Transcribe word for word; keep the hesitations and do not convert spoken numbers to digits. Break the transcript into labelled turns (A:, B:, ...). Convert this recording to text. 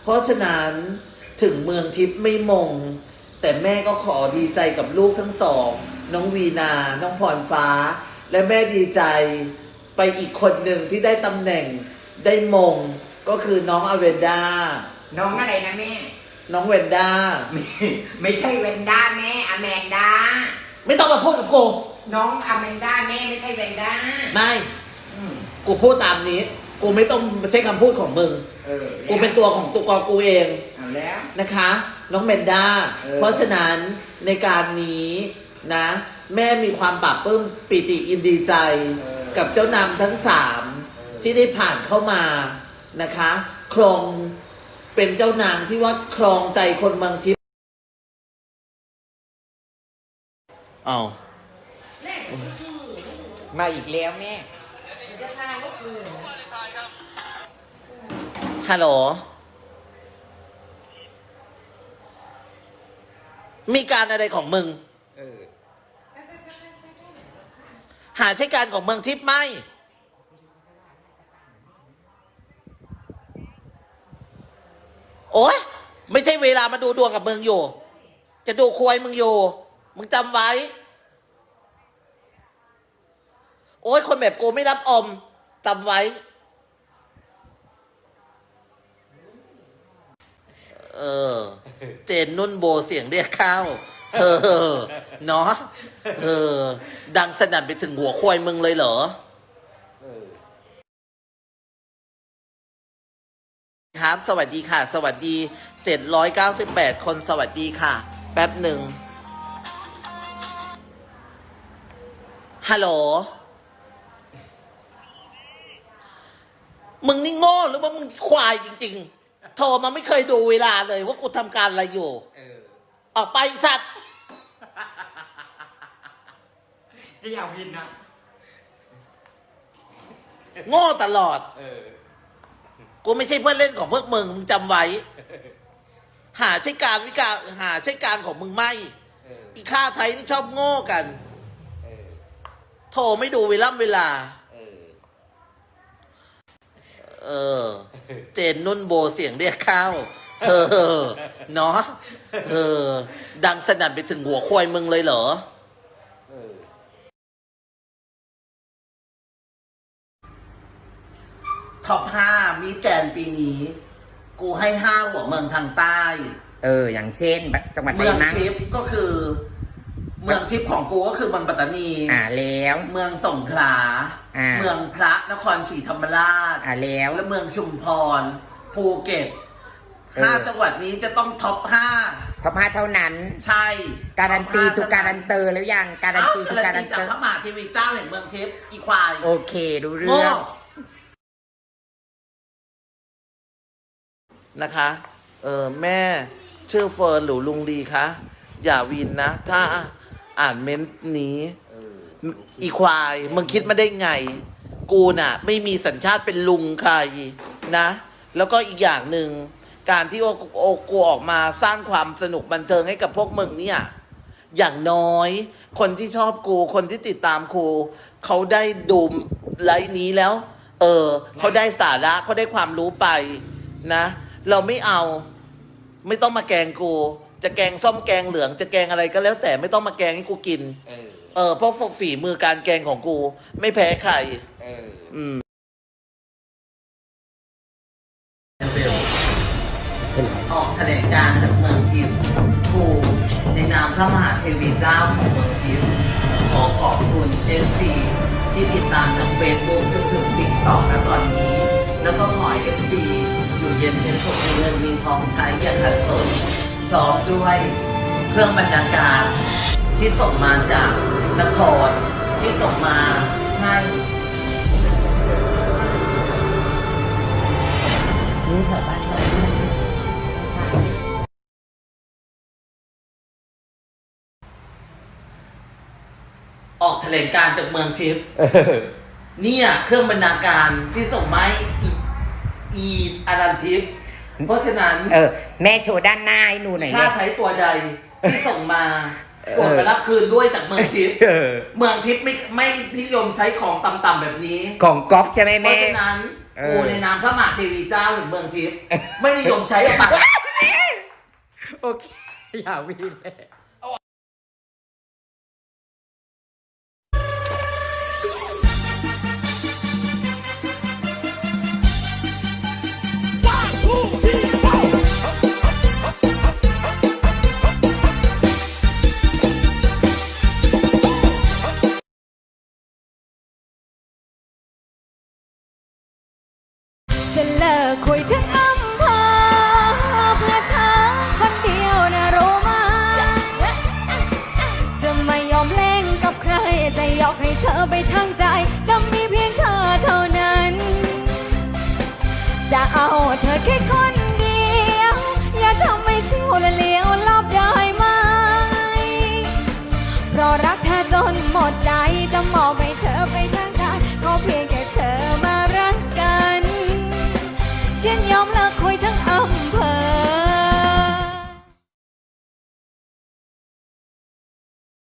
A: เพราะฉะนั้นถึงเมืองทิพย์ไม่มงแต่แม่ก็ขอดีใจกับลูกทั้งสองน้องวีนา น้องพรฟ้า และแม่ดีใจไปอีกคนหนึ่งที่ได้ตำแหน่งได้มงก็คือน้องอเวนดา
B: น้องอะไรนะแม่
A: น้องเวนด้า
B: ไม่ไม่ใช่เวนด้าแม่อแมนดา
A: ไม่ต้องมาพูดกับกู
B: น้องอแมนดาแม่ไม่ใช่เวนด้า
A: ไม่กูพูดตามนี้กูไม่ต้องใช้คำพูดของมึงกูเป็นตัวของตัวกอกูเอง
B: เอาแล้ว
A: นะคะน้องเมนด้าเพราะฉะนั้นในการนี้นะแม่มีความปลาบปลื้มปิติยินดีใจกับเจ้านำทั้งสามที่ได้ผ่านเข้ามานะคะครองเป็นเจ้านางที่ว่าครองใจคนเมืองทิพย์อ้าว
B: มาอีกแล้วแม่
A: ฮัลโหลมีการอะไรของมึงหาใช้การของเมืองทิพย์ไหมโอ๊ยไม่ใช่เวลามาดูดวงกับมึงอยู่จะดูควยมึงอยู่มึงจำไว้โอ๊ยคนแบบกูไม่รับอมจำไว้เออเจนนุ่นโบเสียงเรียกเข้าเออเนาะเออดังสนั่นไปถึงหัวควายมึงเลยเหรอครับสวัสดีค่ะสวัสดีเจ็ดร้อยเก้าสิบแปดคนสวัสดีค่ะแป๊บหนึ่งฮัลโหลมึงนี่โง่หรือว่ามึงควายจริงๆโทรมาไม่เคยดูเวลาเลยว่ากูทำการอะไรอยู่ออกไปสัตว์
B: จะอยากพินนะ
A: โง่ตลอดกูไม่ใช่เพื่อนเล่นของพวกมึงมึงจำไว้หาใช้การวิการหาใช้การของมึงไม่อีข้าไทยนี่ชอบโง่กันโทรไม่ดูเวลาเวลาเออเจนนุ่นโบเสียงเรียกเข้าเออเนาะเออดังสนั่นไปถึงหัวควายมึงเลยเหรอท็อปห้ามีแกนปีนี้กูให้ห้าหัวเมืองทางใต้
B: เอออย่างเช่นจังหวัดไหน
A: เมืองทิพย์ก็คือเมืองทิพย์ของกูก็คือเมืองปัตตานี
B: อ่าแล้ว
A: เมืองสงขลาเมืองพระนครศรีธรรมราช
B: อ่าแล้ว
A: และเมืองชุมพรภูเก็ตห้าจังหวัดนี้จะต้องท็อปห้า
B: ท็อปห้าเท่านั้น
A: ใช่
B: การันตีทุกการันเตอร์แล้วยังการันตีทุกการันเตอร์
A: จากพระมหาเทวีเจ้าแห่งเมืองทิพย์อีควาย
B: โอเคดูเรื่อง
A: นะคะเออแม่ชื่อเฟิร์นหรือลุงดีคะอย่าวินนะถ้าอ่านเม้นต์นี้อีควายมึงคิดมาได้ไงกูน่ะไม่มีสัญชาติเป็นลุงใครนะแล้วก็อีกอย่างหนึ่งการที่โอโอกูออกมาสร้างความสนุกบันเทิงให้กับพวกมึงเนี่ยอย่างน้อยคนที่ชอบกูคนที่ติดตามกูเขาได้ดูไลฟ์นี้แล้วเออเขาได้สาระเขาได้ความรู้ไปนะเราไม่เอาไม่ต้องมาแกงกูจะแกงส้มแกงเหลืองจะแกงอะไรก็แล้วแต่ไม่ต้องมาแกงให้กูกินเออเออเพราะฝีมือการแกงของกูไม่แพ้ใครเอออืมออกแถลงการจากเมืองทิพย์กูในนามพระมหาเทวีเจ้าของเมืองทิพย์ขอขอบคุณเอฟซีที่ติดตามจากเฟซบุ๊กจนถึงติ๊กต็อกณตอนนี้แล้วก็ขอเอฟซีอยู่เย็นเป็นสุขมีเงินมีทองใช้อย่าขัดสนพร้อมด้วยเครื่องบรรณาการที่ส่งมาจากนครที่ส่งมาให้
B: นี่แถวบ้านเรา
A: ออกแถลงการจากเมืองทิพย์เนี่ยเครื่องบรรณาการที่ส่งมาให้อีอีอารันทิพย์เพราะฉะนั้น
B: เออแม่โชว์ด้านหน้าให้หนูหน่อย
A: ค่าไทยตัวใดที่ส่งมาโปรดไปรับคืนด้วยจากเมืองทิพย์เมืองทิพย์ไม่ไม่นิยมใช้ของต่ำๆแบบนี้
B: ของก๊อฟใช่ไหมแม่
A: เพราะฉะนั้น
B: เออ
A: กูในนามพระมหาเทวีเจ้าแห่งเมืองทิพย์ไม่นิยมใช้ออกมา
B: โอเค อย่าวีนเลย